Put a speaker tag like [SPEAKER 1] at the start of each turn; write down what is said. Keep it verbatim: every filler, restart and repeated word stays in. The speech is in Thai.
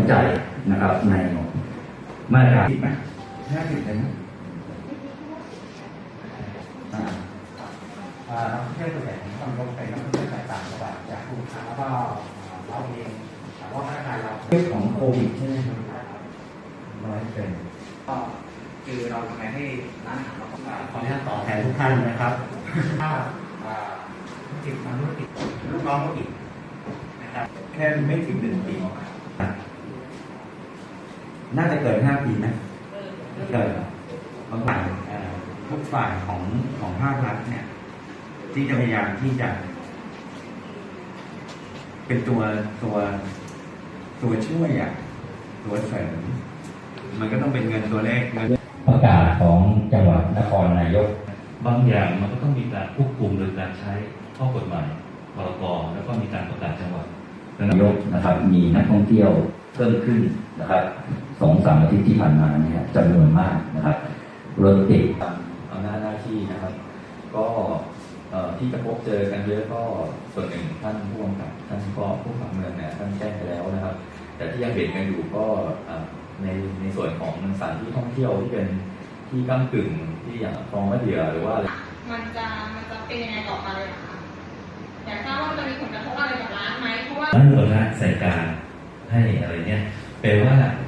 [SPEAKER 1] ใจนะครับในมาตราที่ไหมห้าสิบเลยนะ
[SPEAKER 2] นักท่องเที่ยวส่วนใหญ่ต้องลงไปนักท่องเที่ยวจากต่างจังหวัดจากกรุงเทพแล้วก็เราเองแต่ว่าพนักงานเรา
[SPEAKER 1] เรื่องของโควิดใช่ไหมครับร้อยเป็น
[SPEAKER 2] ก็คือเราทำไงให้ร้านอาหารเราขออนุญาตต่อแทนทุกท่านนะครับถ้าธุรกิจทำธุรกิจลูกน้องธุรกิจนะครับ
[SPEAKER 1] แค่ไม่ถึงหนึ่งปีน่าจะเกินห้าปีนะเกินบางฝ่ายทุกฝ่ายของของภาครัฐเนี่ยที่จะพยายามที่จะเป็นตัวตัวตัวช่วยอ่ะตัวเสริมมันก็ต้องเป็นเงินตัวเลขเงินประกาศของจังหวัดนครนายก
[SPEAKER 3] บางอย่างมันก็ต้องมีการควบคุมโดยการใช้ข้อกฎหมายพรกแล้วก็มีการประกาศจังหวัด
[SPEAKER 1] นายกนะครับมีนักท่องเที่ยวเพิ่มขึ้นนะครับสองสามอาทิตย์ที่ผ่านมาเนี่ยจำนวนมากนะครับรถติด
[SPEAKER 3] อำนาจหน้าที่นะครับก็ที่จะพบเจอกันเยอะก็ส่วนหนึ่งท่านผู้กำกับท่านก็ผู้ขับเมืองเนี่ยท่านแจ้งไปแล้วนะครับแต่ที่ยังเห็นกันอยู่ก็ในในส่วนของสถานที่ท่องเที่ยวที่เป็นที่ก้ากึ่งที่อย่างคลองมะเดื่อหรือว่าอะไร
[SPEAKER 4] มันจะมันจะเป็นยังไงต่อไปเลยคะอยากทราบว่ามันจะมีผลกระทบอะไรกับร้านไหมเพราะว่า
[SPEAKER 3] ร้านหัวร้านใส่การให้อะไรเนี่ยแปลว่า